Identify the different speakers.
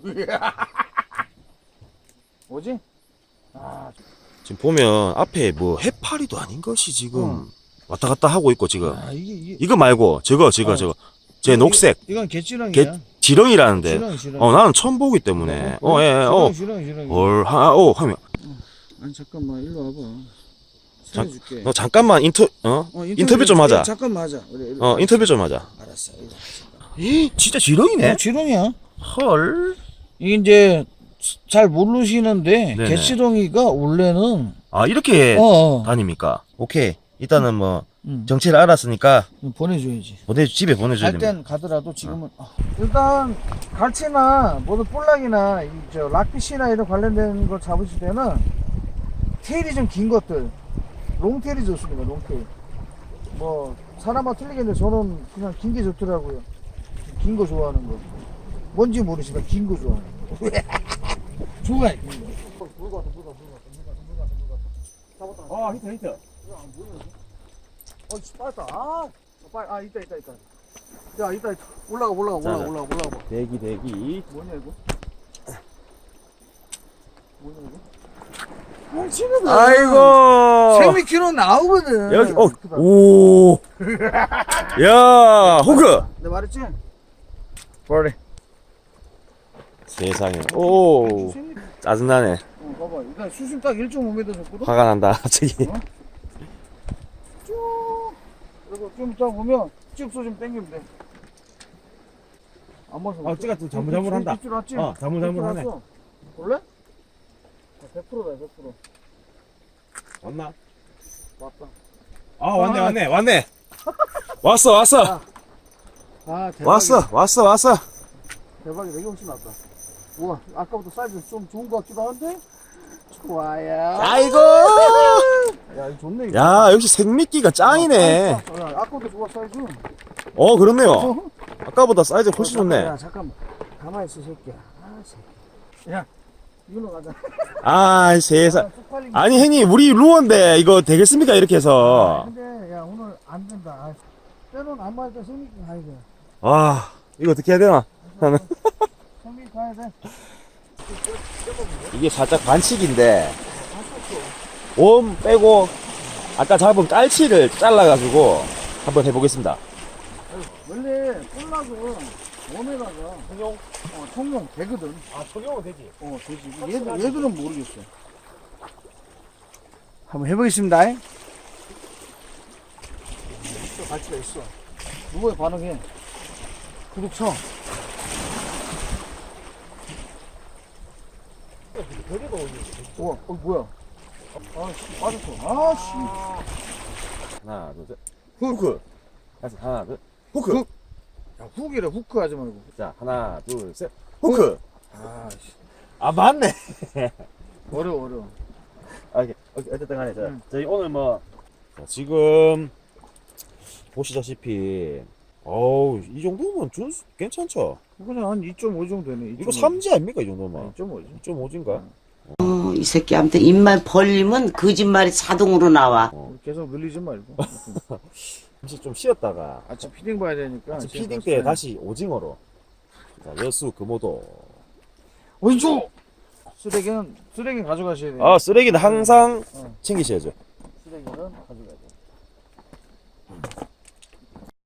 Speaker 1: 뭐지? 아,
Speaker 2: 지금 보면 앞에 뭐 해파리도 아닌 것이 지금 왔다 갔다 하고 있고 지금
Speaker 1: 이게
Speaker 2: 이거 말고 저거 제 녹색
Speaker 1: 이건 개찌렁이야.
Speaker 2: 지렁이라는데
Speaker 1: 지렁이.
Speaker 2: 나는 처음 보기 때문에
Speaker 1: 지렁이.
Speaker 2: 하면
Speaker 1: 아니 잠깐만 일로 와봐.
Speaker 2: 잠-
Speaker 1: 살려줄게.
Speaker 2: 너 잠깐만 인터뷰 좀 하자.
Speaker 1: 잠깐만 하자. 그래,
Speaker 2: 인터뷰 좀 하자.
Speaker 1: 알았어.
Speaker 2: 진짜 지렁이네.
Speaker 1: 지렁이야.
Speaker 2: 헐.
Speaker 1: 이게 이제 잘 모르시는데
Speaker 2: 네네.
Speaker 1: 개치렁이가 원래는
Speaker 2: 이렇게
Speaker 1: 어.
Speaker 2: 다닙니까? 오케이. 일단은 뭐
Speaker 1: 응.
Speaker 2: 정체를 알았으니까
Speaker 1: 보내줘야지.
Speaker 2: 집에 보내줘야
Speaker 1: 갈
Speaker 2: 됩니다.
Speaker 1: 땐 가더라도 지금은 일단 갈치나 뭐든 볼락이나 저 락피시나 이런 관련된 거 잡으실 때는 테일이 좀 긴 것들 롱테일이 좋습니다. 롱테일. 뭐 사람마다 틀리겠는데 저는 그냥 긴 게 좋더라고요. 긴 거 좋아하는 거. 뭔지 모르시면 긴 거 좋아하는 거. 좋아해. 긴 거. 물 갔다. 잡았다.
Speaker 2: 히트.
Speaker 1: 빠졌다. 빨리. 있다. 야, 있다. 올라가 봐.
Speaker 2: 대기.
Speaker 1: 뭐냐 이거? 뭉치거든.
Speaker 2: 아이고.
Speaker 1: 생미키로 나오거든.
Speaker 2: 여기
Speaker 1: 크다.
Speaker 2: 오. 야, 호그.
Speaker 1: 내가 말했지? 버리.
Speaker 2: 세상에. 오.
Speaker 1: 생미.
Speaker 2: 짜증나네.
Speaker 1: 봐봐. 일단 수심 딱 1.5m 줬거든.
Speaker 2: 화가 난다. 갑자기.
Speaker 1: 쭉. 그리고 좀 이따 보면 쭉 좀 당기면 돼. 안 맞아.
Speaker 2: 찌가 또 자물자물한다.
Speaker 1: 입질 왔지?
Speaker 2: 자물자물하네.
Speaker 1: 볼래? 100%다 100%.
Speaker 2: 왔나?
Speaker 1: 맞다.
Speaker 2: 왔네. 왔어.
Speaker 1: 아 대박이다.
Speaker 2: 왔어.
Speaker 1: 대박이다. 이게 훨씬 낫다. 우와 아까부터 사이즈 좀 좋은 것 같기도 한데 좋아요.
Speaker 2: 아이고.
Speaker 1: 야 이거 좋네 이거.
Speaker 2: 야, 역시 생미끼가 짱이네.
Speaker 1: 아까부터 좋아 사이즈.
Speaker 2: 그렇네요. 아까보다 사이즈 훨씬 좋네.
Speaker 1: 야 잠깐만 가만히 있어 새끼야. 아 새끼. 야 이걸로 가자.
Speaker 2: 아, 세상.
Speaker 1: 쪽팔린
Speaker 2: 아니, 형님, 우리 루어인데 이거 되겠습니까? 이렇게 해서.
Speaker 1: 근데 야 오늘 안 된다. 아, 때론 안 맞을 때 성민 가야 돼.
Speaker 2: 와, 이거 어떻게 해야 되나?
Speaker 1: 성민 가야 돼.
Speaker 2: 이게 살짝 반칙인데, 웜 빼고, 아까 잡은 깔치를 잘라가지고 한번 해보겠습니다.
Speaker 1: 원래 꼴락은 웜에다가 청룡 되거든.
Speaker 2: 청룡은 되지.
Speaker 1: 되지. 얘들은 모르겠어. 한번 해보겠습니다. 갈치가 있어. 누구에 반응해? 구독 쳐. 우와, 뭐야? 아씨, 빠졌어. 아씨.
Speaker 2: 하나, 둘, 셋. 후크. 다시 하나, 둘. 후크.
Speaker 1: 야, 훅이래, 후크 하지 말고.
Speaker 2: 자, 하나, 둘, 셋. 후크.
Speaker 1: 아씨.
Speaker 2: 맞네.
Speaker 1: 어려워.
Speaker 2: 어쨌든 간에,
Speaker 1: 응.
Speaker 2: 저희 오늘 지금, 보시다시피, 이 정도면 괜찮죠?
Speaker 1: 그냥 한 2.5 정도 되네.
Speaker 2: 이거 삼지 아닙니까, 이 정도면?
Speaker 1: 2.5지.
Speaker 2: 2.5인가?
Speaker 3: 이 새끼한테 입만 벌리면 거짓말이 자동으로 나와.
Speaker 1: 계속 늘리지 말고.
Speaker 2: 잠시 좀 쉬었다가,
Speaker 1: 아침 피딩 봐야 되니까.
Speaker 2: 아침
Speaker 1: 지금
Speaker 2: 피딩
Speaker 1: 봤을
Speaker 2: 때 다시 오징어로. 자, 여수, 금오도.
Speaker 1: 왼쪽! 쓰레기는 가져가셔야 돼요.
Speaker 2: 쓰레기는 항상
Speaker 1: 어.
Speaker 2: 챙기셔야죠.